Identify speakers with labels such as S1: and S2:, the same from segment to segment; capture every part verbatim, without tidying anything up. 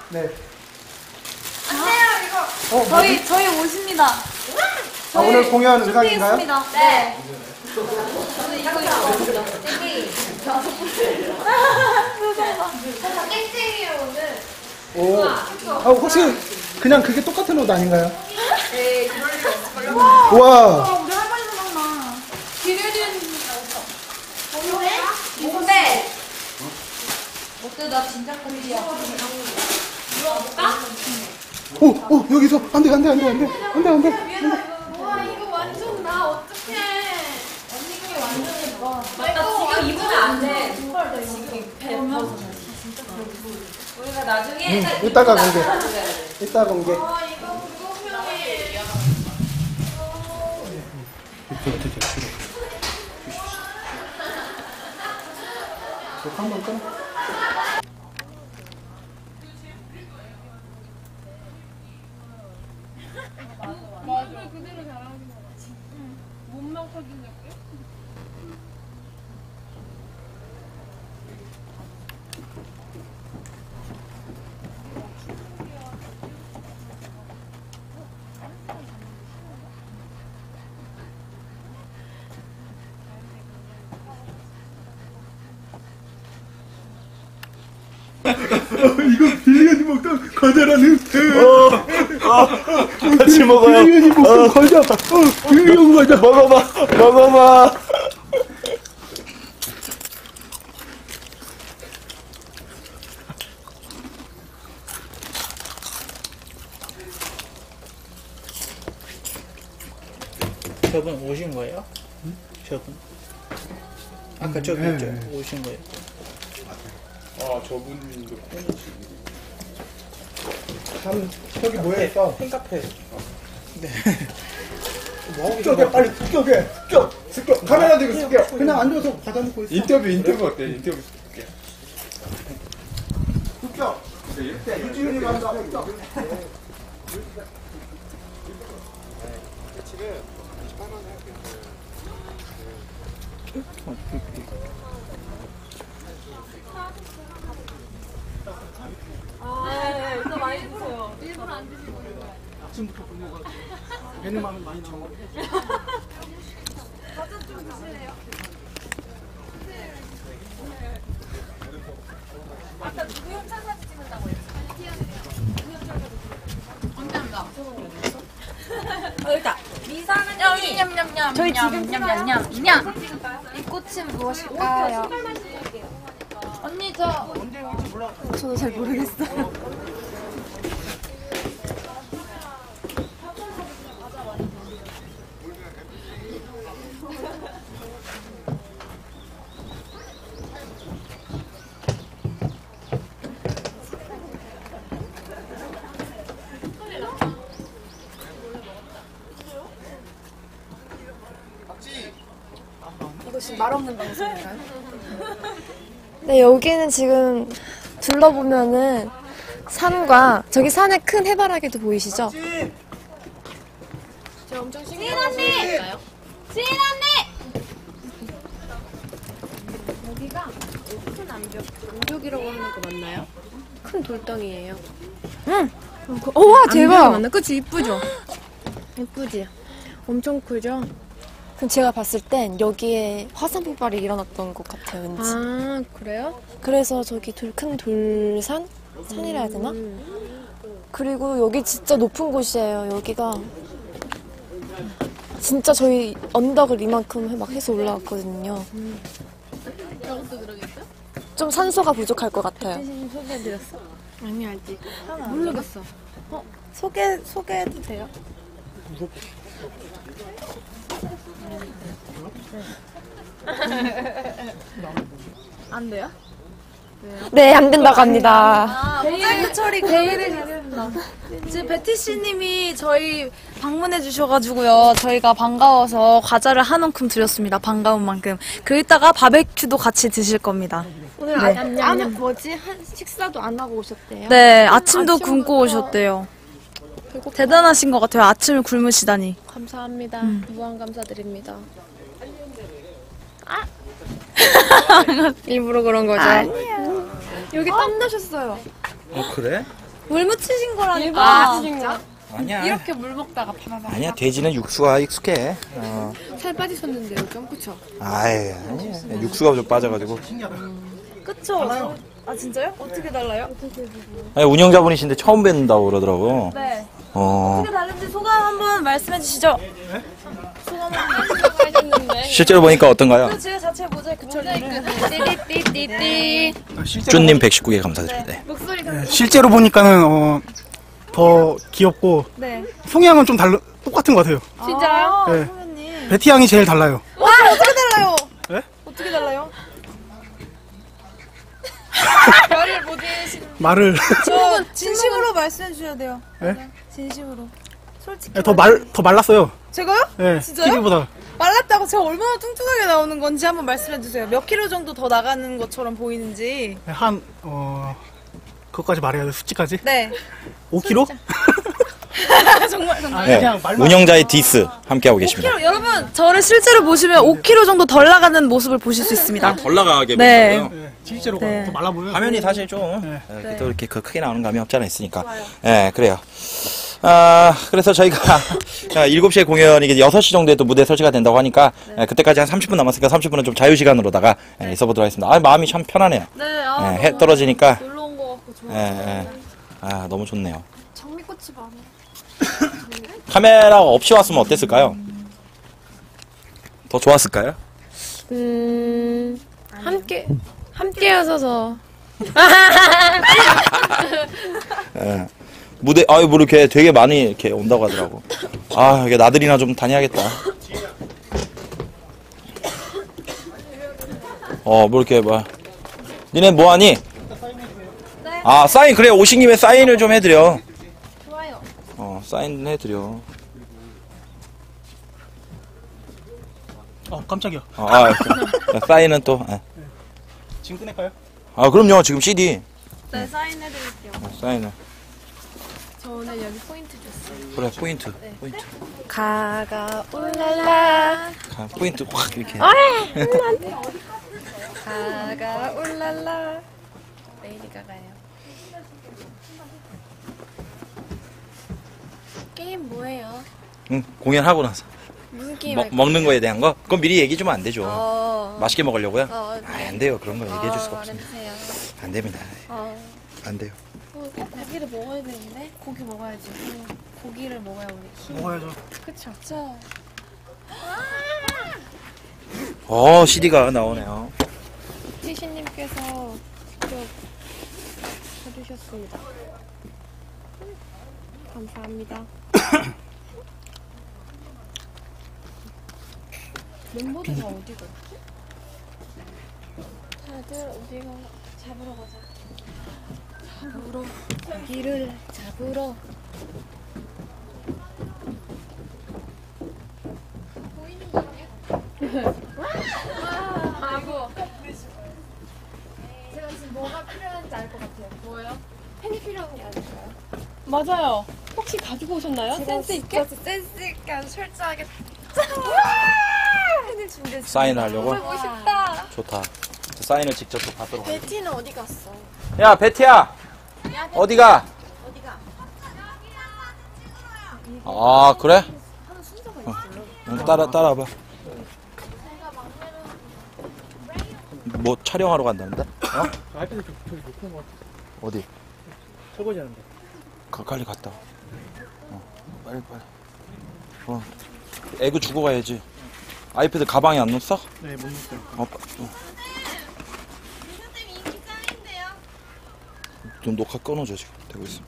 S1: 네.
S2: 안돼요 이거.
S1: 어,
S3: 저희
S1: 뭐지?
S3: 저희 옷입니다.
S1: 아, 오늘 공연 의상인가요?
S3: 네.
S2: 저는 이거 입었습니다. 땡땡이. 땡땡이에요 오늘.
S1: 오. 아, 혹시 그냥 그게 똑같은 옷 아닌가요?
S2: 네 그럴 리 없을걸요.
S1: 와.
S3: 우리 할머니 생각나. 기르는
S2: 뭔데? 뭔데? 어때 나 진짜 꼴이야. 물어볼까?
S1: 오, 오, 여기서 안 돼, 안 돼, 안 돼, 안 돼, 안 돼, 안 돼.
S2: 와 이거 완전 나 어떡해. 언니 이게 완전 예뻐. 맞다 지금 입으면 안 돼. 지금 배 벗어. 우리가 나중에
S1: 응, 이따가 공개. 이따 공개.
S2: 아 이거 불공평해.
S1: 한번 끊어.
S4: 맞아 그대로 잘하는 거 같아. 응. 몸만 커진다고요?
S1: 이거 빌리언이 먹던 과자라는.
S5: 어, 같이 먹어요.
S1: 빌리언이 먹던 과자. 어, 빌리언 과자.
S5: 먹어봐, 먹어봐.
S6: 저분 오신 거예요? 응? 저분? 아까 저기
S1: 네,
S6: 있죠?
S1: 네.
S6: 오신 거예요?
S5: 아, 저분도 팬이시.
S1: 참, 저기 뭐야, 있어?
S6: 팬카페. 네.
S1: 습격해, 빨리 습격해. 습격, 습격. 카메라 들고 습격. 그냥 앉아서 과자 먹고 있어.
S5: 인터뷰, 인터뷰 어때? 인터뷰.
S1: 습격. 유지윤이 간다. 습격.
S2: 네, 더 많이 드세요.
S4: 일부러 안 드시고 있는 거야.
S1: 아침부터 굶어가지고. 배는 마음이 많이 적어.
S4: 과자 좀 드실래요?
S2: 아까 누구 협찬 사진 찍는다고 했어? 언니입니다. 어, 여기다. 미사는 여기 냠냠냠.
S3: 저희 지금
S2: 냠냠냠. 냠. 이 꽃은 무엇일까요? 언니 저
S3: 저도 잘 모르겠어요.
S4: 이거 지금 말 없는 방송인가요?
S7: 네, 여기는 지금 둘러보면은 산과 저기 산에 큰 해바라기도 보이시죠?
S4: 제가 엄청
S2: 지인
S4: 신기한
S2: 언니! 지인 언니!
S4: 여기가 큰 암벽, 암벽이라고 하는 거 맞나요? 큰 돌덩이에요.
S7: 응. 어, 와, 대박.
S4: 맞나? 그치 이쁘죠? 이쁘지? 엄청 크죠?
S7: 그럼 제가 봤을 땐 여기에 화산 폭발이 일어났던 것 같아요, 왠지.
S4: 아 그래요?
S7: 그래서 저기 돌, 큰 돌산? 산이라 해야 되나? 그리고 여기 진짜 높은 곳이에요. 여기가 진짜 저희 언덕을 이만큼 막 해서 올라왔거든요.
S4: 저것도 들어겠어?
S7: 좀 산소가 부족할 것 같아요.
S4: 대신 소개해드렸어? 아니 아직 모르겠어. 어? 소개, 소개해도 돼요? 안 돼요?
S7: 네, 안 된다고 합니다.
S3: 모자이크 처리 개인을 잘했습니다. 지금 베티 씨님이 저희 방문해 주셔가지고요. 저희가 반가워서 과자를 한 움큼 드렸습니다. 반가운 만큼. 그 이따가 바베큐도 같이 드실 겁니다.
S4: 오늘 아, 안에 뭐지? 한 식사도 안 하고 오셨대요?
S3: 네, 아침도
S4: 아침부터
S3: 굶고 오셨대요. 대단하신 것 같아요. 아침을 굶으시다니.
S4: 감사합니다. 무한 감사드립니다. 일부러 그런 거죠?
S3: 아니에요.
S4: 여기 땀 나셨어요.
S6: 어, 그래?
S3: 물 묻히신 거라니까.
S2: 아, 진짜?
S6: 아니야.
S2: 이렇게 물 먹다가 바나나.
S6: 아니야, 돼지는 육수가 익숙해. 어.
S2: 살 빠지셨는데요, 좀 그쵸?
S6: 아이, 아니야. 육수가 좀 빠져가지고.
S3: 그쵸? 아, 진짜요? 어떻게 달라요?
S6: 아니, 운영자분이신데 처음 뵙는다고 그러더라고.
S3: 네.
S6: 어.
S3: 어떻게 다른지 소감 한번 말씀해 주시죠. 소감 한번
S2: 하셨는데.
S6: 실제로 보니까 어떤가요?
S3: 그리고 지금 자체 모자이크 처리를. 띠띠띠띠.
S6: 쭈님 백십구 개 감사드립니다. 네.
S2: 목소리가
S1: 실제로 보니까는 어, 더 귀엽고
S3: 네.
S1: 성향은 좀 달라 똑같은 것 같아요.
S2: 진짜요?
S3: 아,
S1: 네.
S3: 선배님.
S1: 베티 양이 제일 달라요.
S3: 와, 어떻게 달라요?
S1: 네?
S3: 어떻게 달라요?
S2: 별을 못 드신.
S1: 말을
S3: 저 진심으로 말씀해 주셔야 돼요.
S1: 네?
S3: 진심으로. 솔직히.
S1: 더 말 더 말랐어요.
S3: 제가요?
S1: 네,
S3: 진짜요?
S1: 티비보다.
S3: 말랐다고 제가 얼마나 뚱뚱하게 나오는 건지 한번 말씀해 주세요. 몇 킬로 정도 더 나가는 것처럼 보이는지.
S1: 한 어. 그것까지 말해야 돼, 수치까지?
S3: 네.
S1: 오 킬로?
S3: 정말 정말.
S6: 네.
S1: 그냥 말만-
S6: 운영자의 디스 함께하고 계십니다.
S3: 오 킬로, 여러분, 저를 실제로 보시면 오 킬로 정도 덜 나가는 모습을 보실 수 있습니다.
S6: 덜 나가게
S3: 네.
S6: 보인다고요?
S1: 네, 실제로
S3: 네.
S1: 더 말라 보여요.
S6: 화면이 사실 좀
S1: 네.
S6: 예, 이렇게 또 이렇게 그 크게 나오는 감이 없지 않아 있으니까. 예, 그래요. 아, 그래서 저희가 자, 일곱 시에 공연이 이게 여섯 시 정도에 또 무대 설치가 된다고 하니까 예, 그때까지 한 삼십 분 남았으니까 삼십 분은 좀 자유시간으로다가 예, 있어보도록 하겠습니다. 아, 마음이 참 편하네요.
S3: 네, 아,
S6: 예, 해 떨어지니까.
S3: 놀러 온 것 같고 좋아요.
S6: 예, 예. 아, 너무 좋네요.
S2: 장미꽃이 많아.
S6: 카메라가 없이 왔으면 어땠을까요? 더 좋았을까요?
S7: 음, 함께, 함께여서
S6: 예. 무대, 아유, 뭐 이렇게 되게 많이 이렇게 온다고 하더라고. 아, 이게 나들이나 좀 다녀야겠다. 어, 뭐 이렇게 막. 니네 뭐 하니? 아, 사인, 그래, 오신 김에 사인을 좀 해드려.
S2: 좋아요.
S6: 어, 사인 해드려.
S1: 어, 깜짝이야.
S6: 어, 아, 그, 사인은 또, 예.
S1: 지금 꺼낼까요?
S6: 아, 그럼요, 지금 씨디.
S3: 네, 사인해드릴게요.
S6: 어, 사인을.
S2: 저 오늘 여기 포인트 줬어요.
S6: 그래, 포인트. 포인트.
S7: 가가 올랄라.
S6: 가, 포인트 확 이렇게.
S7: 가가 올랄라. 레이디 가가요.
S2: 게임 뭐예요?
S6: 응, 공연하고 나서.
S2: 무슨 게임
S6: 먹,
S2: 할까요?
S6: 먹는 거에 대한 거? 그건 미리 얘기 주면 안 되죠.
S2: 어.
S6: 맛있게 먹으려고요?
S2: 어,
S6: 아, 안 돼요. 그런 거 얘기해 줄 수가
S2: 어,
S6: 없습니다.
S2: 말해주세요.
S6: 안 됩니다.
S2: 어.
S6: 안 돼요.
S2: 어, 고기를 먹어야 되는데? 고기 먹어야지. 음, 고기를 먹어야 우리.
S1: 먹어야죠.
S2: 그쵸? 그쵸?
S6: 어, 씨디가 나오네요.
S2: 티시님께서 직접 해주셨습니다. 감사합니다. 멤버들 다 어디 갔지? 다들 어디가 잡으러 가자. 잡으러 고기를 잡으러. 보이는 거 아니야? 아이고. 제가 지금 뭐가 필요한지 알 것 같아요. 뭐요? 펜이 필요한 게 아닐까요? 맞아요. 혹시 가지고 오셨나요? 센스 있게? 센스 있게 아주 철저하게. 펜을 준비했어요.
S6: 사인을 하려고?
S2: 보고 싶다.
S6: 좋다. 저 사인을 직접 또 받도록 하겠습니다.
S2: 베티는 어디 갔어?
S6: 야, 베티야! 어디가?
S2: 어디가?
S6: 아, 그래?
S2: 하는 순서가
S6: 어.
S2: 있어요.
S6: 응, 따라, 따라와봐.
S2: 제가 막내로
S6: 뭐 촬영하러 간다는데? 어?
S1: 아이패드 좀 저기 놓고 것 같아.
S6: 어디?
S1: 설거지 하는데.
S6: 가, 빨리 갔다 와. 어, 빨리, 빨리. 어. 애그 주고 가야지. 아이패드 가방에 안 넣었어?
S1: 네, 못 놓을게요.
S6: 어, 빠- 어. 좀 녹화 끊어줘, 지금. 되고 있어.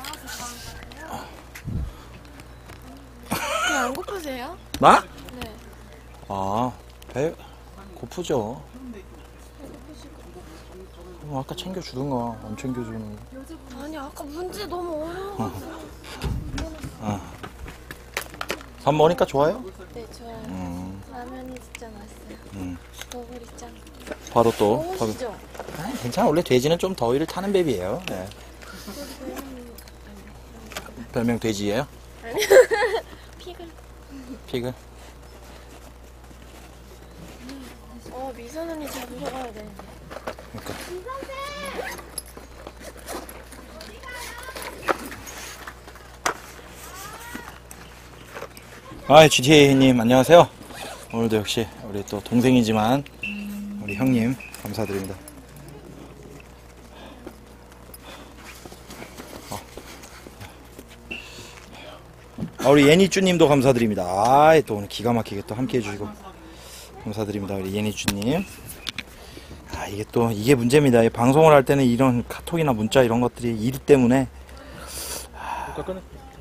S2: 그냥 안 고프세요?
S6: 나?
S2: 네.
S6: 아, 배 고프죠. 그럼 아까 챙겨주던가, 안 챙겨주는.
S2: 아니 아까 문제 너무 어려워.
S6: 아. 밥 먹으니까 좋아요?
S2: 네 좋아요.
S6: 음,
S2: 라면이 진짜 맛있어요.
S6: 음.
S2: 너구리 짱.
S6: 바로 또. 밥-
S2: 먹으시죠?
S6: 아, 괜찮아. 원래 돼지는 좀 더위를 타는 뱀이에요. 네. 별명 돼지예요?
S2: 픽을.
S6: 피글?
S2: 어 미선 언니 잡으러 가야 되는데.
S6: 그러니까. 아, 지티에이님 안녕하세요. 오늘도 역시 우리 또 동생이지만 우리 형님 감사드립니다. 어. 아, 우리 예니쭈님도 감사드립니다. 아, 또 오늘 기가 막히게 또 함께 해주시고 감사드립니다. 우리 예니쭈님. 아, 이게 또 이게 문제입니다. 이 방송을 할 때는 이런 카톡이나 문자 이런 것들이 일 때문에
S5: 깎아내.